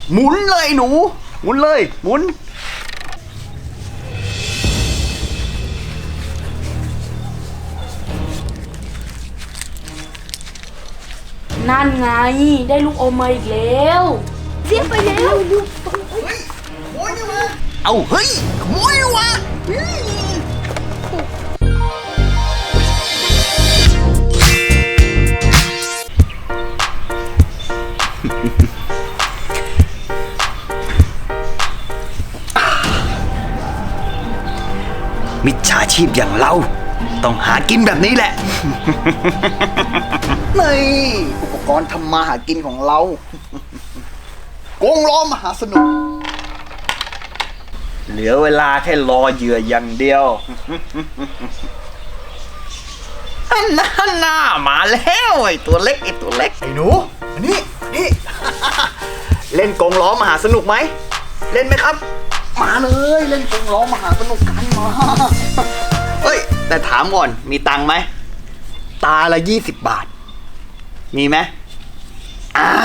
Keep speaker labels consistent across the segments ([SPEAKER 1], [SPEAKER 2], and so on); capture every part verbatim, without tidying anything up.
[SPEAKER 1] หมุนเลยหนูหมุนเลยหมุน
[SPEAKER 2] นั่นไงได้ลูกอมมาอีกแล้วเสียไปแล้วลูก
[SPEAKER 1] เฮ้ยขโมยนี่วะเอาเฮ้ยขโมยนี่วะมิจฉาชีพอย่างเราต้องหากินแบบนี้แหละ นี่อุปกรณ์ทำมาหากินของเรากงล้อมหาสนุกเหลือเวลาแค่รอเหยื่ออย่างเดียวอันนั้นน่ามาแล้วไอ้ตัวเล็กไอ้ตัวเล็กไอ้หนูอันนี้นี่ เล่นกงล้อมหาสนุกไหมเล่นไหมครับมาเลยเล่นกงล้อมหาสนุกกันมาเฮ้ยแต่ถามก่อนมีตังค์ไหมตาละยี่สิบบาทมีไหมอ่า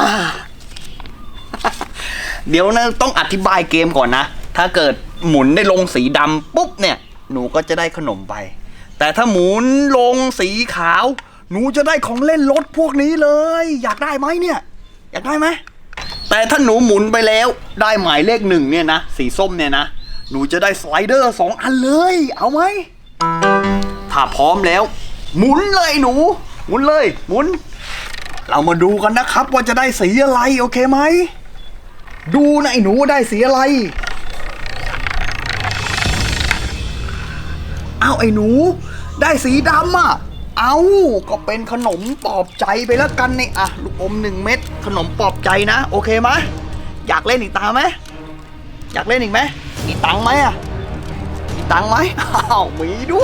[SPEAKER 1] เดี๋ยวนะต้องอธิบายเกมก่อนนะถ้าเกิดหมุนได้ลงสีดำปุ๊บเนี่ยหนูก็จะได้ขนมไปแต่ถ้าหมุนลงสีขาวหนูจะได้ของเล่นรถพวกนี้เลยอยากได้ไหมเนี่ยอยากได้ไหมแต่ถ้าหนูหมุนไปแล้วได้หมายเลขหนึ่งเนี่ยนะสีส้มเนี่ยนะหนูจะได้สไลเดอร์สองอันเลยเอาไหมถ้าพร้อมแล้วหมุนเลยหนูหมุนเลยหมุนเรามาดูกันนะครับว่าจะได้สีอะไรโอเคไหมดูนะไอ้หนูได้สีอะไรอ้าวไอ้หนูได้สีดำอ่ะเอาก็เป็นขนมปลอบใจไปแล้วกันนี่อ่ะลูกอมหนึ่งเม็ดขนมปลอบใจนะโอเคไหมอยากเล่นอีกตาไหมอยากเล่นอีกไหมมีตังค์ไหมอ่ะมีตังค์ไหมอ้าวมีด้วย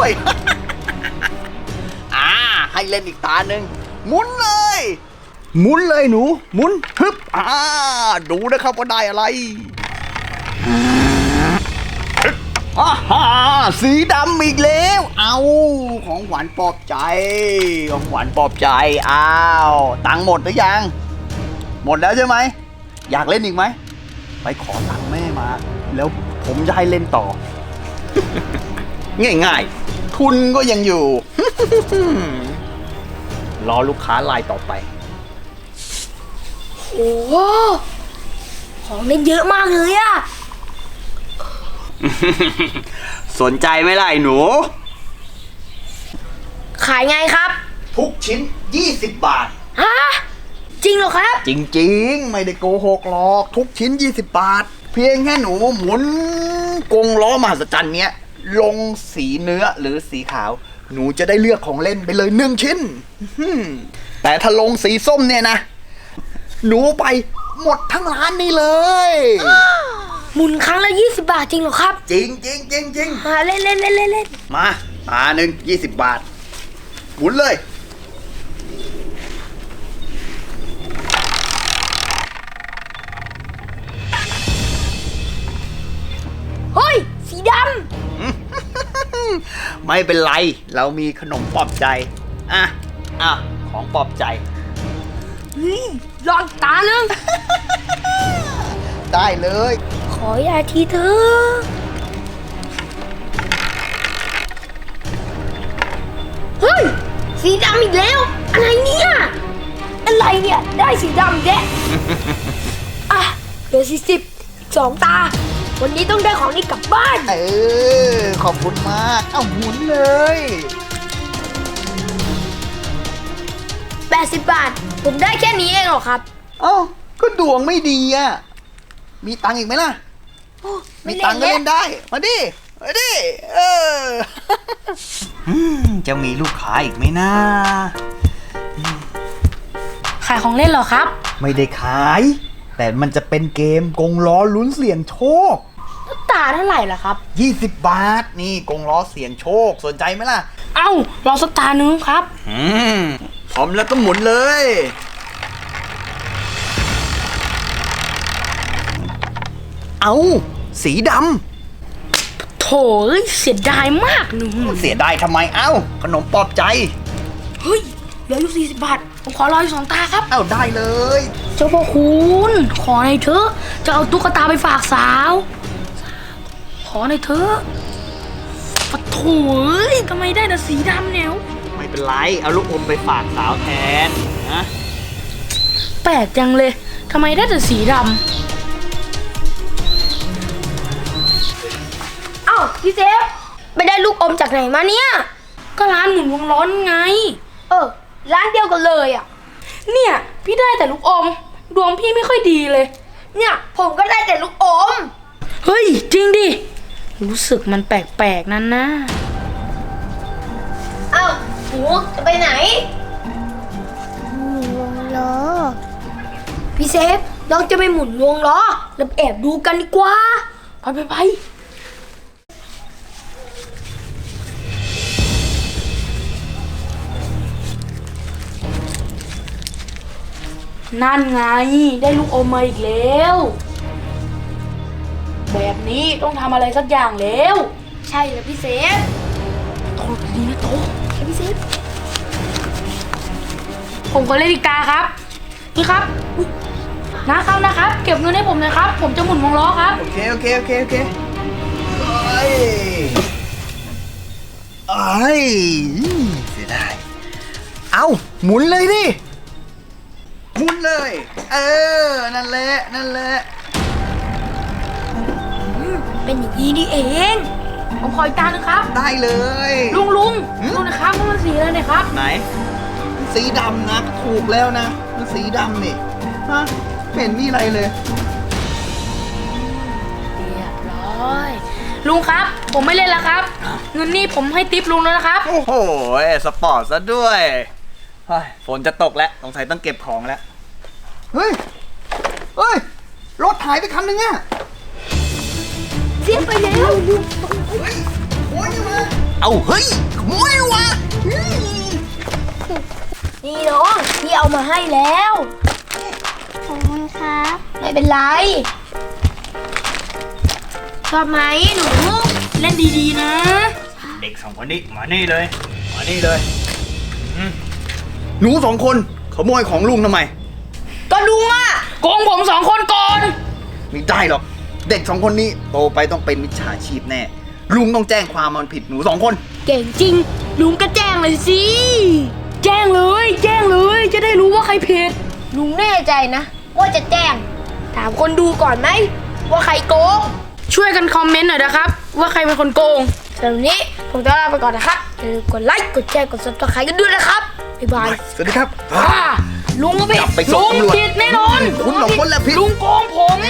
[SPEAKER 1] อ่าให้เล่นอีกตาหนึ่งหมุนเลยหมุนเลยหนูหมุนฮึบอ่าดูนะครับว่าได้อะไรอ่าฮ่าสีดำอีกแล้วเอาของหวานปลอบใจของหวานปลอบใจอ้าวตังค์หมดหรือยังหมดแล้วใช่ไหมอยากเล่นอีกไหมไปขอตังค์แม่มาแล้วผมจะให้เล่นต่อ ง่ายๆทุนก็ยังอยู่ รอลูกค้ารายต่อไป
[SPEAKER 2] โอ้โหของเล่นเยอะมากเลยอะ
[SPEAKER 1] สนใจไหมล่ะไอ้หนู
[SPEAKER 2] ขายไงครับ
[SPEAKER 1] ทุกชิ้นยี่สิบบาท
[SPEAKER 2] ฮะจริงเหรอครับ
[SPEAKER 1] จริงๆไม่ได้โกหกหรอกทุกชิ้นยี่สิบบาทเพียงแค่หนูหมุนกงล้อมหัศจรรย์เนี้ยลงสีเนื้อหรือสีขาวหนูจะได้เลือกของเล่นไปเลยหนึ่งชิ้นแต่ถ้าลงสีส้มเนี่ยนะหนูไปหมดทั้งร้านนี่เลย
[SPEAKER 2] หมุนครั้งละยี่สิบบาทจริงเหรอครับ
[SPEAKER 1] จริงจริงจริงจริง
[SPEAKER 2] มาเล่นเล่นเล่นเล่นเล่น
[SPEAKER 1] มาตาหนึ่งยี่สิบบาทหมุนเลย
[SPEAKER 2] เฮ้ยสีด
[SPEAKER 1] ำ ไม่เป็นไรเรามีขนมปลอบใจอ่ะอ่ะของปลอบใจ
[SPEAKER 2] ลองตาหนึ่ง
[SPEAKER 1] ได้เลย
[SPEAKER 2] ขออย่าทีเถอะเฮ้ยสีดำอีกแล้วอะไรเนี่ยอะไรเนี่ยได้สีดำแก อ่ะเหลือสี่สิบสองตาวันนี้ต้องได้ของนี้กลับบ้าน
[SPEAKER 1] เออขอบคุณมากเอาหมุนเลย
[SPEAKER 2] แปดสิบบาทผมได้แค่นี้เองเหรอครับ
[SPEAKER 1] เอ้าก็ดวงไม่ดีอ่ะมีตังค์อีกไหมล่ะมีตังค์ก็เล่นได้มาดิมาดิเออ จะมีลูกค้าอีกไหมนะ
[SPEAKER 2] ขายของเล่นเหรอครับ
[SPEAKER 1] ไม่ได้ขายแต่มันจะเป็นเกมกงล้อลุ้นเสี่ยงโชค
[SPEAKER 2] ตาเท่าไหร่ล่ะครับ
[SPEAKER 1] ยี่สิบบาทนี่กงล้อเสี่ยงโชคสนใจไหมล่ะ
[SPEAKER 2] เอ้ารอสักตาหนึ่งครับ
[SPEAKER 1] อืมพร้อมแล้วก็หมุนเลยเอาสีด
[SPEAKER 2] ำโถเสียดายมากหนู
[SPEAKER 1] เสียดายทำไมเอ้าขนมปลอบใจ
[SPEAKER 2] เฮ้ยเหลืออยู่สี่สิบบาทผมขอรออีกสองตาครับ
[SPEAKER 1] เอ้าได้เลย
[SPEAKER 2] เจ้าพ่อคุณขอหน่อยเถอะจะเอาตุ๊กตาไปฝากสาว ขอหน่อยเถอะปะโถเอ้ยทำไมได้แต่สีดำเนี่ย
[SPEAKER 1] ไม่เป็นไรเอาลูกอมไปฝากสาวแทนนะ
[SPEAKER 2] แปลกจังเลยทำไมได้แต่สีดำอ้าวพี่เซฟไปได้ลูกอมจากไหนมาเนี่ยก็ร้านหมุนวงล้อไงเออร้านเดียวกันเลยอ่ะเนี่ยพี่ได้แต่ลูกอมดวงพี่ไม่ค่อยดีเลยเนี่ยผมก็ได้แต่ลูกอมเฮ้ยจริงดิรู้สึกมันแปลกๆนั่นนะอ้าวหนูจะไปไหนวงล้อพี่เซฟเราจะไปหมุนวงล้อแล้วแอบดูกันดีกว่าไปไปไปนั่นไงได้ลูกอมมาอีกแล้วแบบนี้ต้องทำอะไรสักอย่างแล้วใช่แล้วพี่เซฟโตดีนะโตใช่พี่เซฟผมก็เล่นอีกตาครับนี่ครับนะครับนะครับเก็บเงินให้ผมหน่อยครับผมจะหมุนวงล้อครับ
[SPEAKER 1] โอเคโอเคโอเคโอเคเอ้ยเอ้ยเสียดายเอาหมุนเลยดิหมุนเลย เออนั่นแหละนั่นแหละ
[SPEAKER 2] เป็นอย่างนี้นี่เองผมขออีกตาหนึงครับ
[SPEAKER 1] ได้เลย
[SPEAKER 2] ลุงลุง
[SPEAKER 1] หืม
[SPEAKER 2] ดูนะครับว่ามันสีอะไรเนี่ยครับ
[SPEAKER 1] ไหน สีดำนะถูกแล้วนะมันสีดำนี่ฮะไม่เห็นมีอะไรเลย
[SPEAKER 2] เรียบร้อยลุงครับผมไม่เล่นแล้วครับ เงินนี่ผมให้ติปลุงแล้วนะครับ
[SPEAKER 1] โอ้โหสปอร์ตซะด้วยเฮ้ยฝนจะตกแล้วสงสัยต้องเก็บของแล้วเฮ้ยเฮ้ยรถหายไปคันนึงอะ
[SPEAKER 2] เสียไปแล้ว
[SPEAKER 1] เฮ้ยโอ้ยมาเอาเฮ้ยขโมยวะ
[SPEAKER 2] นี่น้องพี่เอามาให้แล้วขอบคุณครับไม่เป็นไรชอบไหมหนูเล่นดีๆนะ
[SPEAKER 1] เด็กสองคนนี้มานี่เลยมานี่เลยอืมหนูสองคนขโมยของลุงทำไม
[SPEAKER 2] ก็ลุงอะโกงผมสองคนก่อน
[SPEAKER 1] ไม่ได้หรอกเด็กสองคนนี้โตไปต้องเป็นมิจฉาชีพแน่ลุงต้องแจ้งความมันผิดหนูสองคน
[SPEAKER 2] เก่งจริงลุงก็แจ้งเลยสิแจ้งเลยแจ้งเลยจะได้รู้ว่าใครผิดลุงแน่ใจนะว่าจะแจ้งถามคนดูก่อนไหมว่าใครโกงช่วยกันคอมเมนต์หน่อยนะครับว่าใครเป็นคนโกงสำหรับวันนี้ผมต้องลาไปก่อนนะครับอย่าลืมกดไลค์กดแชร์กดซับสไครต์กันด้วยนะครับบ๊ายบาย
[SPEAKER 1] สวัสดีครับ
[SPEAKER 2] อ่าลุงก็ผิด
[SPEAKER 1] จับไปส่
[SPEAKER 2] ลุ
[SPEAKER 1] ง
[SPEAKER 2] ง
[SPEAKER 1] ตำรวจ
[SPEAKER 2] ผิดแน่นอน
[SPEAKER 1] คุณสองคนแหละผิด
[SPEAKER 2] ลุงโกงผม